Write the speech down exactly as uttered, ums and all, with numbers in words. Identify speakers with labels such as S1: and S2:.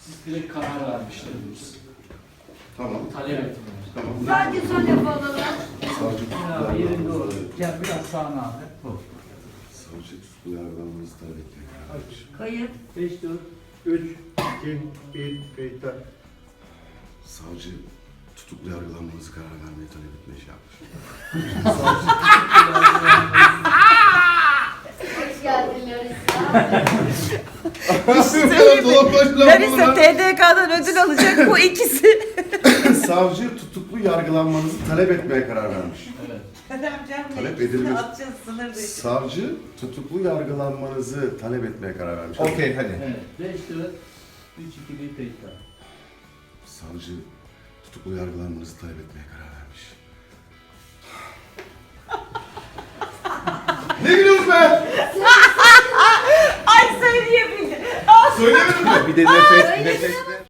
S1: Siz direkt karar vermiştiniz.
S2: Tamam.
S1: Talep ettiniz.
S2: Tamam.
S3: Sadece son lafı alalım.
S2: Savcı
S1: Abi yerinde ol. Gel biraz sağına abi.
S2: Savcı tutuklu yargılanmanızı talep etmeye karar vermiş.
S3: Kayıt.
S1: beş, dört,
S4: üç, iki, bir, kayıtlar.
S2: Savcı tutuklu yargılanmanızı karar vermeyi talep etmeye şey yapmış.
S3: Hoş geldin Larissa.
S5: Larissa T D K'dan ödül alacak bu ikisi.
S2: Savcı tutuklu yargılanmanızı talep etmeye karar vermiş.
S1: evet.
S2: Talep edilmiş.
S5: Atacağız sınır dışı.
S2: Savcı tutuklu yargılanmanızı talep etmeye karar vermiş.
S6: Okey hadi.
S1: Evet. beş, dört, üç, iki, bir tekrar.
S2: Savcı tutuklu yargılanmanızı talep etmeye karar vermiş. Ne gülüyorsun be?
S5: Ay söyleyebildim.
S2: Söylemedin mi?
S6: Bir de nefes, nefes